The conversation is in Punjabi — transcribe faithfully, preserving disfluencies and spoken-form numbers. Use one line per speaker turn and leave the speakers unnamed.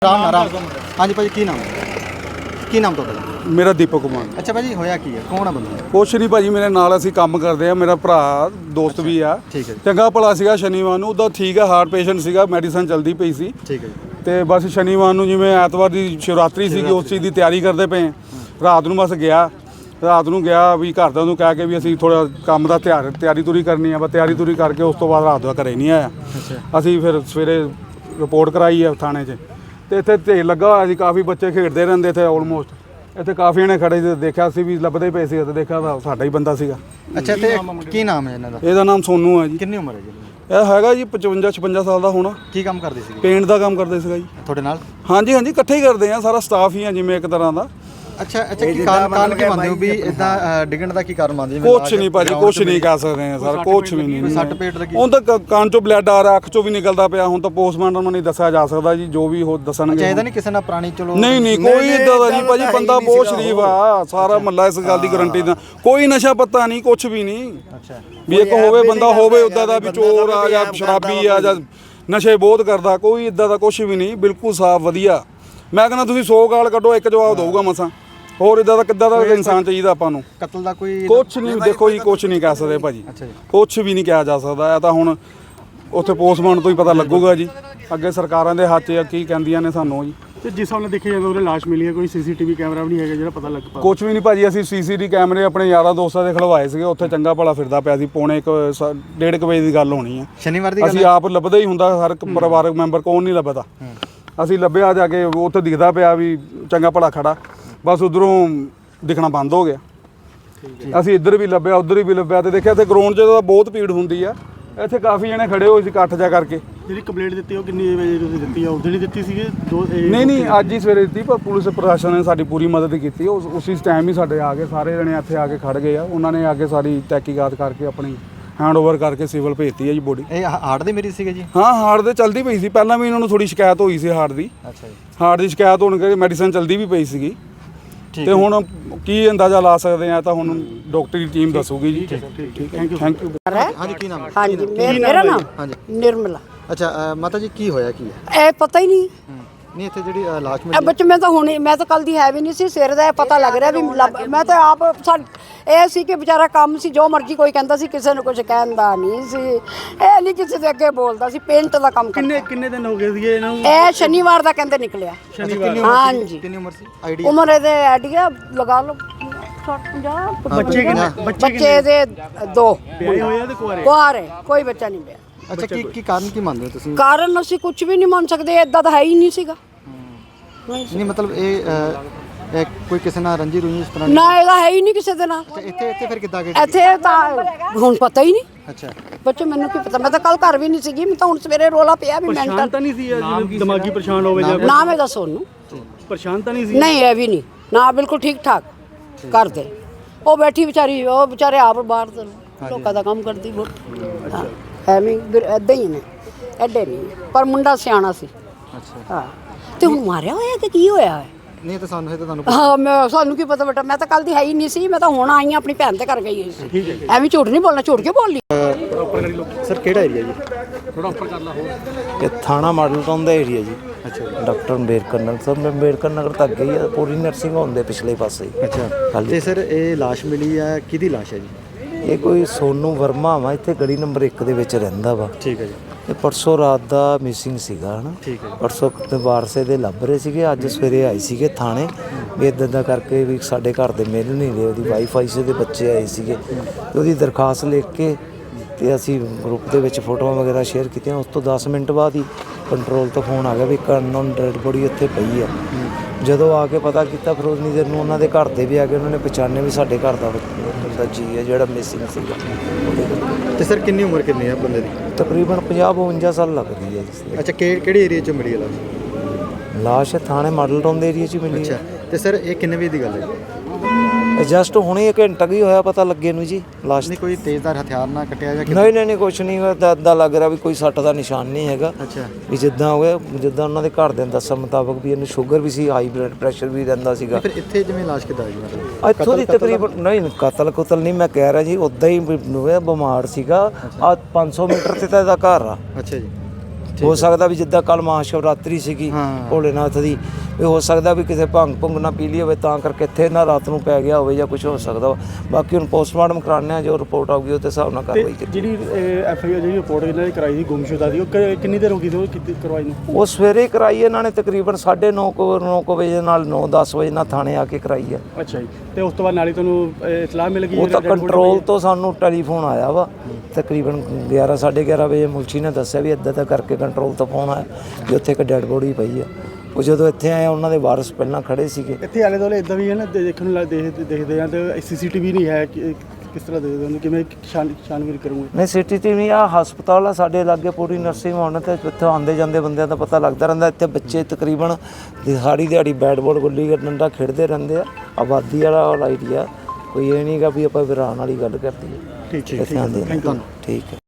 राम राम हाँ जी भाजी की नाम है की नाम ਤੁਹਾਡਾ?
ਮੇਰਾ ਦੀਪਕ ਕੁਮਾਰ।
ਅੱਛਾ ਭਾਜੀ ਹੋਇਆ ਕੀ ਹੈ, ਕੌਣ ਆ ਬੰਦਾ?
ਕੁਛ ਨਹੀਂ ਭਾਜੀ, ਮੇਰੇ ਨਾਲ ਅਸੀਂ ਕੰਮ ਕਰਦੇ ਆ, ਮੇਰਾ ਭਰਾ ਦੋਸਤ ਵੀ ਆ।
ਠੀਕ ਹੈ,
ਚੰਗਾ ਭਲਾ ਸੀਗਾ। ਸ਼ਨੀਵਾਰ ਨੂੰ ਉਹਦਾ ਠੀਕ ਆ, ਹਾਰਟ ਪੇਸ਼ੈਂਟ ਸੀਗਾ, ਮੈਡੀਸਨ ਚੱਲਦੀ ਪਈ ਸੀ।
ਠੀਕ ਹੈ ਜੀ।
ਤੇ ਬਸ ਸ਼ਨੀਵਾਰ ਨੂੰ ਜਿਵੇਂ ਐਤਵਾਰ ਦੀ ਸ਼ਿਵਰਾਤਰੀ ਸੀਗੀ, ਉਸ ਚੀਜ਼ ਦੀ ਤਿਆਰੀ ਕਰਦੇ ਪਏ। ਰਾਤ ਨੂੰ ਬਸ ਗਿਆ, ਰਾਤ ਨੂੰ ਗਿਆ ਵੀ ਘਰਦਿਆਂ ਨੂੰ ਕਹਿ ਕੇ ਵੀ ਅਸੀਂ ਥੋੜਾ ਕੰਮ ਦਾ ਤਿਆਰ ਤਿਆਰੀ ਤੁਰੀ ਕਰਨੀ ਆ। ਬਸ ਤਿਆਰੀ ਤੁਰੀ ਕਰਕੇ ਉਸ ਤੋਂ ਬਾਅਦ ਰਾਤ ਦਾ ਘਰੇ ਨਹੀਂ ਆਇਆ। ਅਸੀਂ ਫਿਰ ਸਵੇਰੇ ਰਿਪੋਰਟ ਕਰਾਈ ਆ ਥਾਣੇ 'ਚ, ਤੇ ਇੱਥੇ ਢੇਰ ਲੱਗਾ ਹੋਇਆ ਸੀ, ਕਾਫੀ ਬੱਚੇ ਖੇਡਦੇ ਰਹਿੰਦੇ ਇੱਥੇ। ਆਲਮੋਸਟ ਇੱਥੇ ਕਾਫੀ ਜਣੇ ਖੜੇ ਸੀ, ਦੇਖਿਆ ਸੀ ਵੀ ਲੱਭਦੇ ਪਏ ਸੀ, ਤੇ ਦੇਖਿਆ ਤਾਂ ਸਾਡਾ ਹੀ ਬੰਦਾ ਸੀਗਾ।
ਅੱਛਾ, ਤੇ ਕੀ ਨਾਮ ਹੈ ਇਹਨਾਂ ਦਾ?
ਇਹਦਾ ਨਾਮ ਸੋਨੂ ਹੈ ਜੀ।
ਕਿੰਨੀ ਉਮਰ ਹੈ ਜੀ?
ਇਹ ਹੈਗਾ ਜੀ ਪਚਵੰਜਾ ਛਪੰਜਾ ਸਾਲ ਦਾ ਹੋਣਾ।
ਕੀ ਕੰਮ ਕਰਦੇ ਸੀ?
ਪੇਂਟ ਦਾ ਕੰਮ ਕਰਦੇ ਸੀਗਾ ਜੀ।
ਤੁਹਾਡੇ ਨਾਲ?
ਹਾਂਜੀ ਹਾਂਜੀ, ਇਕੱਠੇ ਹੀ ਕਰਦੇ ਆ, ਸਾਰਾ ਸਟਾਫ ਹੀ ਆ ਜਿਵੇਂ ਇੱਕ ਤਰ੍ਹਾਂ ਦਾ।
ਅੱਛਾ ਅੱਛਾ, ਕੀ ਕਾਰਨ ਕਾਰਨ ਕੀ ਮੰਨਦੇ ਹੋ ਵੀ ਇਦਾਂ ਡਿੱਗਣ ਦਾ ਕੀ ਕਾਰਨ ਮੰਨਦੇ ਹੋ?
ਕੁਛ ਨਹੀਂ ਭਾਜੀ, ਕੁਛ ਨਹੀਂ ਕਹਿ ਸਕਦੇ ਆ ਸਰ, ਕੁਛ ਵੀ ਨਹੀਂ।
ਸੱਟ ਪੇਟ ਲੱਗੀ?
ਹੁਣ ਤਾਂ ਕੰਨ ਚੋਂ ਬਲੱਡ ਆ ਰਿਹਾ, ਅੱਖ ਚੋਂ ਵੀ ਨਿਕਲਦਾ ਪਿਆ। ਹੁਣ ਤਾਂ ਪੋਸਟਮਾਰਟਮ ਨੂੰ ਨਹੀਂ ਦੱਸਿਆ ਜਾ ਸਕਦਾ ਜੀ, ਜੋ ਵੀ ਉਹ ਦੱਸਣਗੇ।
ਚਾਹੀਦਾ ਨਹੀਂ ਕਿਸੇ ਨਾਲ ਪੁਰਾਣੀ? ਚਲੋ
ਨਹੀਂ ਨਹੀਂ, ਕੋਈ ਇਦਾਂ ਦਾ ਨਹੀਂ ਭਾਜੀ, ਬੰਦਾ ਬਹੁਤ ਸ਼ਰੀਫ ਆ, ਸਾਰਾ ਮਹੱਲਾ ਇਸ ਗੱਲ ਦੀ ਗਾਰੰਟੀ ਦਾ। ਕੋਈ ਨਸ਼ਾ ਪੱਤਾ ਨਹੀਂ, ਕੁਛ ਵੀ ਨਹੀਂ।
ਅੱਛਾ,
ਵੀ ਇੱਕ ਹੋਵੇ ਬੰਦਾ ਹੋਵੇ ਉੱਦਾਂ ਦਾ ਵੀ ਚੋਰ ਆ ਜਾਂ ਸ਼ਰਾਬੀ ਆ ਜਾਂ ਨਸ਼ੇ ਬਹੁਤ ਕਰਦਾ, ਕੋਈ ਇਦਾਂ ਦਾ ਕੁਛ ਵੀ ਨਹੀਂ। ਬਿਲਕੁਲ ਸਾਫ਼ ਵਧੀਆ। ਮੈਂ ਕਹਿੰਦਾ ਤੁਸੀਂ ਸੌ ਗਾਲ ਕੱਢੋ, ਇੱਕ ਜਵਾਬ ਦਊਗਾ ਮਸਾਂ। ਹੋਰ ਇਦਾਂ ਦਾ ਕਿੱਦਾਂ ਦਾ ਇਨਸਾਨ ਚਾਹੀਦਾ ਆਪਾਂ ਨੂੰ?
ਕਤਲ ਦਾ ਕੋਈ
ਕੁਛ ਨਹੀਂ, ਦੇਖੋ ਜੀ ਕੁਛ ਨਹੀਂ ਕਹਿ ਸਕਦੇ ਭਾਜੀ, ਕੁਛ ਵੀ ਨਹੀਂ ਕਿਹਾ ਜਾ ਸਕਦਾ। ਇਹ ਤਾਂ ਹੁਣ ਉੱਥੇ ਪੋਸਟਮਾਰਟਮ ਤੋਂ ਹੀ ਪਤਾ ਲੱਗੂਗਾ ਜੀ। ਅੱਗੇ ਸਰਕਾਰਾਂ ਦੇ ਹੱਥ 'ਚ ਕੀ ਕਹਿੰਦੀਆਂ ਨੇ ਸਾਨੂੰ ਜੀ।
ਤੇ ਜਿਸ ਹਿਸਾਬ ਨਾਲ ਦੇਖਿਆ ਜਾਵੇ ਉਹਨੇ ਲਾਸ਼ ਮਿਲੀ ਹੈ, ਕੋਈ ਸੀਸੀਟੀਵੀ ਕੈਮਰਾ ਵੀ ਨਹੀਂ ਹੈਗਾ ਜਿਹੜਾ ਪਤਾ ਲੱਗ ਪਾ?
ਕੁਛ ਵੀ ਨਹੀਂ ਭਾਜੀ, ਅਸੀਂ ਸੀਸੀਟੀਵੀ ਕੈਮਰੇ ਆਪਣੇ ਯਾਰਾਂ ਦੋਸਤਾਂ ਦੇ ਖਲਵਾਏ ਸੀਗੇ। ਉੱਥੇ ਚੰਗਾ ਭਲਾ ਫਿਰਦਾ ਪਿਆ ਸੀ। ਪੌਣੇ ਇੱਕ ਡੇਢ ਕੁ ਵਜੇ ਦੀ ਗੱਲ ਹੋਣੀ ਆ।
ਸ਼ਨੀਵਾਰ ਦੀ ਗੱਲ?
ਅਸੀਂ ਆਪ ਲੱਭਦਾ ਹੀ ਹੁੰਦਾ, ਹਰ ਇੱਕ ਪਰਿਵਾਰਕ ਮੈਂਬਰ ਕੌਣ ਨਹੀਂ ਲੱਭਦਾ। ਅਸੀਂ ਲੱਭਿਆ ਜਾ ਕੇ, ਉੱਥੇ ਦਿਖਦਾ ਪਿਆ ਵੀ ਚੰਗਾ ਭਲਾ ਖੜਾ, ਬਸ ਉਧਰੋਂ ਦਿਖਣਾ ਬੰਦ ਹੋ ਗਿਆ। ਅਸੀਂ ਇੱਧਰ ਵੀ ਲੱਭਿਆ, ਉੱਧਰ ਵੀ ਲੱਭਿਆ, ਤੇ ਦੇਖਿਆ ਤੇ ਗਰਾਊਂਡ 'ਚ ਤਾਂ ਬਹੁਤ ਭੀੜ ਹੁੰਦੀ ਆ। ਇੱਥੇ ਕਾਫੀ ਜਣੇ ਖੜੇ ਹੋਏ ਸੀ ਇਕੱਠ ਜਾ ਕਰਕੇ।
ਜਿਹੜੀ ਕੰਪਲੇਂਟ ਦਿੱਤੀ ਉਹ ਕਿੰਨੀ ਵਜੇ ਤੁਸੀਂ ਦਿੱਤੀ ਆ? ਉਸ ਦਿਨ ਹੀ ਦਿੱਤੀ ਸੀਗੀ? ਦੋ
ਨਹੀਂ ਨਹੀਂ, ਅੱਜ ਹੀ ਸਵੇਰੇ ਦਿੱਤੀ, ਪਰ ਪੁਲਿਸ ਪ੍ਰਸ਼ਾਸਨ ਨੇ ਸਾਡੀ ਪੂਰੀ ਮਦਦ ਕੀਤੀ। ਉਸ ਉਸੇ ਟਾਈਮ ਹੀ ਸਾਡੇ ਆ ਕੇ ਸਾਰੇ ਜਣੇ ਇੱਥੇ ਆ ਕੇ ਖੜ ਗਏ ਆ। ਉਹਨਾਂ ਨੇ ਆ ਕੇ ਸਾਰੀ ਤਹਿਕੀਕਾਤ ਕਰਕੇ ਆਪਣੀ ਹੈਂਡ ਓਵਰ ਕਰਕੇ ਸਿਵਲ ਭੇਜਤੀ ਹੈ ਜੀ ਬੋਡੀ।
ਇਹ ਹਾਰਟ ਦੇ ਮਰੀਜ਼ ਸੀਗੇ ਜੀ?
ਹਾਂ, ਹਾਰਟ ਦੇ ਚਲਦੀ ਪਈ ਸੀ ਪਹਿਲਾਂ ਵੀ, ਇਹਨਾਂ ਨੂੰ ਥੋੜੀ ਸ਼ਿਕਾਇਤ ਹੋਈ ਸੀ ਹਾਰਟ ਦੀ।
ਅੱਛਾ ਜੀ।
ਹਾਰਟ ਦੀ ਸ਼ਿਕਾਇਤ ਹੋਣ ਕਰਕੇ ਮੈਡੀਸਨ ਚਲਦੀ ਵੀ ਪਈ ਸੀਗੀ। ਤੇ ਹੁਣ ਕੀ ਅੰਦਾਜ਼ਾ ਲਾ ਸਕਦੇ ਆ, ਤਾਂ ਹੁਣ ਡਾਕਟਰੀ ਟੀਮ ਦੱਸੂਗੀ ਜੀ। ਠੀਕ, ਥੈਂਕ ਯੂ ਥੈਂਕ ਯੂ।
ਹਾਂਜੀ, ਕੀ ਨਾਮ ਹੈ?
ਹਾਂਜੀ, ਮੇਰਾ ਨਾਮ
ਹਾਂਜੀ
ਨਿਰਮਲਾ।
ਅੱਛਾ ਮਾਤਾ ਜੀ, ਕੀ ਹੋਇਆ ਕੀ ਹੈ?
ਇਹ ਪਤਾ ਹੀ ਨਹੀਂ।
ਨਹੀਂ, ਇੱਥੇ ਜਿਹੜੀ ਲਾਸ਼
ਇਹ
ਮਿਲੀ
ਬੱਚੇ ਮੈਂ ਤਾਂ ਹੁਣੇ, ਮੈਂ ਤਾਂ ਕੱਲ ਦੀ ਹੈ ਵੀ ਨਹੀਂ ਸੀ। ਸਵੇਰ ਦਾ ਇਹ ਪਤਾ ਲੱਗ ਰਿਹਾ ਵੀ ਲੱਭ- ਮੈਂ ਤਾਂ ਆਪ ਸਾ- ਇਹ ਸੀ ਕਿ ਵਿਚਾਰਾ ਕੰਮ ਸੀ, ਜੋ ਮਰਜ਼ੀ ਕੋਈ ਕਹਿੰਦਾ ਸੀ, ਕਿਸੇ ਨੂੰ ਕੁਝ ਕਹਿੰਦਾ ਨਹੀਂ ਸੀ। ਇਹ ਨਹੀਂ ਕਿਸੇ ਦੇ ਅੱਗੇ ਬੋਲਦਾ ਸੀ। ਪੇਂਟ ਦਾ ਕੰਮ ਕਰਦਾ।
ਕਿੰਨੇ ਕਿੰਨੇ ਦਿਨ ਹੋ ਗਏ ਸੀਗੇ ਇਹਨਾਂ ਨੂੰ?
ਇਹ ਸ਼ਨੀਵਾਰ ਦਾ ਕਹਿੰਦੇ ਨਿਕਲਿਆ।
ਸ਼ਨੀਵਾਰ?
ਹਾਂਜੀ।
ਕਿੰਨੀ ਉਮਰ ਸੀ? ਆਈਡੀਆ
ਉਮਰ ਇਹਦੇ ਆਈਡੀਆ ਲਗਾ ਲਓ ਸੱਠ ਪੰਜਾਹ।
ਬੱਚੇ ਕਿੰਨੇ?
ਬੱਚੇ ਦੇ ਦੋ
ਵਿਆਹੇ ਹੋਏ ਆ ਤੇ ਕੁਆਰੇ?
ਕੁਆਰੇ, ਕੋਈ ਬੱਚਾ ਨਹੀਂ ਪਿਆ।
ਅੱਛਾ, ਕੀ ਕੀ ਕਾਰਨ ਕੀ ਮੰਨਦੇ ਹੋ ਤੁਸੀਂ?
ਕਾਰਨ ਅਸੀਂ ਕੁਝ ਵੀ ਨਹੀਂ ਮੰਨ ਸਕਦੇ, ਇਦਾਂ ਤਾਂ ਹੈ ਹੀ ਨਹੀਂ ਸੀਗਾ।
ਨਹੀਂ ਮਤਲਬ ਇਹ ਅ, ਇਹ ਕੋਈ ਕਿਸੇ ਨਾਲ ਰੰਜੀ ਰੂਹੀ ਇਸ ਤਰ੍ਹਾਂ?
ਨਾ, ਇਹਦਾ ਹੈ ਹੀ ਨਹੀਂ ਕਿਸੇ ਦੇ ਨਾਲ।
ਅੱਛਾ, ਇੱਥੇ ਇੱਥੇ ਫਿਰ ਕਿੱਦਾਂ ਗਏ?
ਇੱਥੇ ਤਾਂ ਹੁਣ ਪਤਾ ਹੀ ਨਹੀਂ।
ਅੱਛਾ,
ਬੱਚੇ ਮੈਨੂੰ ਕੀ ਪਤਾ, ਮੈਂ ਤਾਂ ਕੱਲ ਘਰ ਵੀ ਨਹੀਂ ਸੀਗੀ। ਮੈਂ ਤਾਂ ਹੁਣ ਸਵੇਰੇ ਰੋਲਾ ਪਿਆ ਵੀ
ਪਰੇਸ਼ਾਨ
ਮੈਂਟਲ।
ਤਾਂ ਨਹੀਂ ਸੀ ਜਿਵੇਂ ਦਿਮਾਗੀ ਪਰੇਸ਼ਾਨ ਹੋਵੇ ਜਾਂ
ਨਾਮ ਇਹਦਾ ਸੋਨੂੰ।
ਪਰੇਸ਼ਾਨ ਤਾਂ ਨਹੀਂ ਸੀ?
ਨਹੀਂ, ਇਹ ਵੀ ਨਹੀਂ ਨਾ, ਬਿਲਕੁਲ ਠੀਕ ਠਾਕ ਕਰਦੇ। ਉਹ ਬੈਠੀ ਵਿਚਾਰੀ, ਉਹ ਵਿਚਾਰੇ ਆਪ ਬਾਹਰ ਦੇ ਲੋਕਾਂ ਦਾ ਕੰਮ ਕਰਦੀ। ਬਹੁਤ ਹਾਂ, ਐਵੇਂ ਇਦਾਂ ਹੀ ਨੇ, ਐਡੇ ਨਹੀਂ, ਪਰ ਮੁੰਡਾ ਸਿਆਣਾ ਸੀ।
ਅੱਛਾ।
ਹਾਂ, ਤੇ ਹੁਣ ਮਾਰਿਆ ਹੋਇਆ ਕਿ ਕੀ ਹੋਇਆ ਹੈ?
ਨਹੀਂ ਤਾਂ ਸਾਨੂੰ ਇਹ ਤਾਂ ਤੁਹਾਨੂੰ
ਹਾਂ, ਮੈਂ ਸਾਨੂੰ ਕੀ ਪਤਾ ਬੇਟਾ, ਮੈਂ ਤਾਂ ਕੱਲ ਦੀ ਹੈ ਹੀ ਨਹੀਂ ਸੀ। ਮੈਂ ਤਾਂ ਹੁਣ ਆਈ ਹਾਂ, ਆਪਣੀ ਭੈਣ ਦੇ ਘਰ ਗਈ ਹੋਈ ਸੀ। ਐਵੇਂ ਝੂਠ ਨਹੀਂ ਬੋਲਣਾ, ਝੂਠ ਕਿਉਂ ਬੋਲੀ?
ਸਰ ਕਿਹੜਾ ਏਰੀਆ ਜੀ?
ਥੋੜਾ ਉੱਪਰ ਕਰ ਲਾ ਹੋਰ।
ਇਹ ਥਾਣਾ ਮਾਡਲ ਟਾਊਨ ਦਾ ਏਰੀਆ ਜੀ। ਅੱਛਾ, ਡਾਕਟਰ ਅੰਬੇਡਕਰ ਨਗਰ ਸਰ, ਮੈਂ ਅੰਬੇਡਕਰ ਨਗਰ ਤੱਕ ਗਈ ਆ, ਪੂਰੀ ਨਰਸਿੰਗ ਹੋਮ ਦੇ ਪਿਛਲੇ ਪਾਸੇ ਹੀ।
ਅੱਛਾ, ਤੇ ਸਰ ਇਹ ਲਾਸ਼ ਮਿਲੀ ਹੈ, ਕਿਹਦੀ ਲਾਸ਼ ਹੈ ਜੀ?
ਇਹ ਕੋਈ ਸੋਨੂ ਵਰਮਾ ਵਾ, ਇੱਥੇ ਗਲੀ ਨੰਬਰ ਇੱਕ ਦੇ ਵਿੱਚ ਰਹਿੰਦਾ ਵਾ।
ਠੀਕ ਹੈ ਜੀ।
ਇਹ ਪਰਸੋਂ ਰਾਤ ਦਾ ਮਿਸਿੰਗ ਸੀਗਾ ਹਨਾ।
ਠੀਕ ਹੈ।
ਪਰਸੋਂ ਕਿਤੇ ਵਾਰਸੇ ਦੇ ਲੱਭ ਰਹੇ ਸੀਗੇ, ਅੱਜ ਸਵੇਰੇ ਆਏ ਸੀਗੇ ਥਾਣੇ ਵੀ ਇੱਦਾਂ ਦਾ ਕਰਕੇ ਵੀ ਸਾਡੇ ਘਰ ਦੇ ਮਿਲ ਨਹੀਂ ਰਹੇ। ਉਹਦੀ ਵਾਈਫ ਆਈ ਸੀ, ਉਹਦੇ ਬੱਚੇ ਆਏ ਸੀਗੇ, ਤੇ ਉਹਦੀ ਦਰਖਾਸਤ ਲਿਖ ਕੇ ਤੇ ਅਸੀਂ ਗਰੁੱਪ ਦੇ ਵਿੱਚ ਫੋਟੋਆਂ ਵਗੈਰਾ ਸ਼ੇਅਰ ਕੀਤੀਆਂ। ਉਸ ਤੋਂ ਦਸ ਮਿੰਟ ਬਾਅਦ ਹੀ ਕੰਟਰੋਲ ਤੋਂ ਫੋਨ ਆ ਗਿਆ ਵੀ ਇੱਕ ਅਨਨੋਨ ਡੈਡ ਬੋਡੀ ਉੱਥੇ ਪਈ ਆ। ਜਦੋਂ ਆ ਕੇ ਪਤਾ ਕੀਤਾ, ਫਿਰ ਉਨੀ ਦੇਰ ਨੂੰ ਉਹਨਾਂ ਦੇ ਘਰ ਦੇ ਵੀ ਆ ਗਏ। ਉਹਨਾਂ ਨੇ ਪਛਾਣਿਆ ਵੀ ਸਾਡੇ ਘਰ ਦਾ ਬੰਦਾ ਜੀ ਹੈ ਜਿਹੜਾ ਮਿਸਿੰਗ ਸੀਗਾ।
ਤੇ ਸਰ ਕਿੰਨੀ ਉਮਰ ਕਿੰਨੀ ਹੈ ਬੰਦੇ ਦੀ?
ਤਕਰੀਬਨ ਪੰਜਾਹ ਬਵੰਜਾ ਸਾਲ ਲੱਗਦੀ ਹੈ ਜੀ।
ਅੱਛਾ, ਕਿਹੜੇ ਏਰੀਆ 'ਚ ਮਿਲੀ ਹੈ ਲਾਸ਼?
ਲਾਸ਼ ਥਾਣੇ ਮਾਡਲ ਟਾਊਨ ਦੇ ਏਰੀਆ 'ਚ ਮਿਲੀ ਹੈ।
ਅੱਛਾ, ਤੇ ਸਰ ਇਹ ਕਿੰਨੇ ਵਜੇ ਦੀ ਗੱਲ ਹੈ?
ਜਸਟ ਹੁਣੇ ਇੱਕ ਘੰਟਾ ਕੀ ਹੋਇਆ ਪਤਾ ਲੱਗੇ ਨੂੰ ਜੀ ਲਾਸ਼।
ਨਹੀਂ ਕੋਈ ਤੇਜ਼ਧਾਰ ਹਥਿਆਰ ਨਾਲ ਕੱਟਿਆ ਜਾਂ
ਨਹੀਂ ਨਹੀਂ ਨਹੀਂ, ਕੁਛ ਨਹੀਂ ਹੋਇਆ। ਇੱਦਾਂ ਲੱਗ ਰਿਹਾ ਵੀ ਕੋਈ ਸੱਟ ਦਾ ਨਿਸ਼ਾਨ ਨਹੀਂ ਹੈਗਾ।
ਅੱਛਾ,
ਵੀ ਜਿੱਦਾਂ ਹੋਇਆ, ਜਿੱਦਾਂ ਉਹਨਾਂ ਦੇ ਘਰ ਦੇ ਦੱਸਣ ਮੁਤਾਬਕ ਵੀ ਇਹਨੂੰ ਸ਼ੂਗਰ ਵੀ ਸੀ, ਹਾਈ ਬਲੱਡ ਪ੍ਰੈਸ਼ਰ ਵੀ ਰਹਿੰਦਾ ਸੀਗਾ।
ਫਿਰ ਇੱਥੇ ਜਿਵੇਂ ਲਾਸ਼ ਕਿੱਦਾਂ ਆਈ ਮਤਲਬ?
ਇੱਥੋਂ ਦੀ ਤਕਰੀਬਨ ਨਹੀਂ, ਕਤਲ ਕੁਤਲ ਨਹੀਂ ਮੈਂ ਕਹਿ ਰਿਹਾ ਜੀ, ਉੱਦਾਂ ਹੀ ਬਿਮਾਰ ਸੀਗਾ। ਆ ਪੰਜ ਸੌ ਮੀਟਰ ਤੇ ਤਾਂ ਇਹਦਾ ਘਰ ਆ।
ਅੱਛਾ ਜੀ।
ਹੋ ਸਕਦਾ ਵੀ ਜਿੱਦਾਂ ਕੱਲ ਮਹਾਸ਼ਿਵਰਾਤਰੀ ਸੀਗੀ
ਹਾਂ।
ਭੋਲੇਨਾਥ ਦੀ, ਵੀ ਹੋ ਸਕਦਾ ਵੀ ਕਿਸੇ ਭੰਗ ਭੁੰਗ ਨਾ ਪੀ ਲਈ ਹੋਵੇ ਤਾਂ ਕਰਕੇ ਇੱਥੇ ਨਾ ਰਾਤ ਨੂੰ ਪੈ ਗਿਆ ਹੋਵੇ ਜਾਂ ਕੁਝ ਹੋ ਸਕਦਾ ਵਾ। ਬਾਕੀ ਹੁਣ ਪੋਸਟਮਾਰਟਮ ਕਰਾਉਂਦੇ ਆ, ਜੋ ਰਿਪੋਰਟ ਆਊਗੀ ਉਹਦੇ ਹਿਸਾਬ ਨਾਲ
ਤੇ
ਕਾਰਵਾਈ ਕੀਤੀ।
ਜਿਹੜੀ ਐਫ ਆਈ ਆਰ ਜਿਹੜੀ ਰਿਪੋਰਟ ਇਹਨਾਂ ਨੇ ਕਰਾਈ ਸੀ ਗੁੰਮਸ਼ੁਦਾ ਦੀ, ਉਹ ਕਿ- ਕਿੰਨੀ ਦੇਰ ਹੋ ਗਈ ਸੀ ਉਹ ਕੀਤੀ ਕਰਵਾਈ ਨੂੰ?
ਉਹ ਸਵੇਰੇ ਕਰਾਈ ਇਹਨਾਂ ਨੇ ਤਕਰੀਬਨ ਸਾਢੇ ਨੌ ਕੁ ਨੌ ਕੁ ਵਜੇ ਨਾਲ ਨੌ ਦਸ ਵਜੇ ਨਾਲ ਥਾਣੇ ਆ ਕੇ ਕਰਾਈ ਆ।
ਅੱਛਾ ਜੀ। ਤੇ ਉਸ ਤੋਂ ਬਾਅਦ ਨਾਲੇ ਤੁਹਾਨੂੰ ਅਹ, ਇਤਲਾਹ ਮਿਲ ਗਈ
ਉਹ ਤਾਂ
ਜਿਹੜਾ dead body
ਕੰਟਰੋਲ
ਪਈ
ਤੋਂ ਸਾਨੂੰ ਟੈਲੀਫੋਨ ਆਇਆ ਵਾ ਤਕਰੀਬਨ ਗਿਆਰਾਂ ਸਾਢੇ ਗਿਆਰਾਂ ਵਜੇ। ਮੁਲਸ਼ੀ ਨੇ ਦੱਸਿਆ ਵੀ ਇੱਦਾਂ ਦਾ ਕਰਕੇ ਕੰਟਰੋਲ ਤੋਂ ਫੋਨ ਆਇਆ ਵੀ ਉੱਥੇ ਇੱਕ ਡੈੱਡ ਬੋਡੀ ਪਈ ਆ। ਉਹ ਜਦੋਂ ਇੱਥੇ ਆਏ ਉਹਨਾਂ ਦੇ ਵਾਰਸ ਪਹਿਲਾਂ ਖੜੇ ਸੀਗੇ।
ਇੱਥੇ ਆਲੇ ਦੁਆਲੇ ਇਦਾਂ ਵੀ ਹੈ ਨਾ ਦੇ- ਦੇਖਣ ਨੂੰ ਲੱਗ- ਦੇਖ ਦੇਖਦੇ ਆ ਤੇ ਸੀਸੀਟੀਵੀ ਨਹੀਂ ਹੈ ਕਿ- ਕਿਸ ਤਰ੍ਹਾਂ ਦੇਖਦੇ ਹੋ ਕਿਵੇਂ ਛਾਨ ਛਾਨਬੀਨ ਕਰੂੰਗੇ?
ਨਹੀਂ ਸਿਟੀ ਟੀਵੀ ਆ ਹਸਪਤਾਲ ਆ ਸਾਡੇ ਲਾਗੇ ਪੂਰੀ ਨਰਸਿੰਗ ਹੋਣ ਤੇ ਇੱਥੇ ਆਉਂਦੇ ਜਾਂਦੇ ਬੰਦਿਆਂ ਦਾ ਪਤਾ ਲੱਗਦਾ ਰਹਿੰਦਾ। ਇੱਥੇ ਬੱਚੇ ਤਕਰੀਬਨ ਦਿਹਾੜੀ ਦਿਹਾੜੀ ਬੈਟ ਬਾਲ ਗੁੱਲੀ ਡੰਡਾ ਖੇਡਦੇ ਰਹਿੰਦੇ ਆ। ਆਬਾਦੀ ਵਾਲਾ ਏਰੀਆ ਕੋਈ ਇਹ ਨਹੀਂਗਾ ਵੀ ਆਪਾਂ ਵਿਰਾਨ ਵਾਲੀ ਗੱਲ ਕਰਦੀ ਹੈ।
ਠੀਕ ਹੈ,
ਇੱਥੇ ਆਉਂਦੇ ਨੇ।
Thank you.
ਠੀਕ ਹੈ।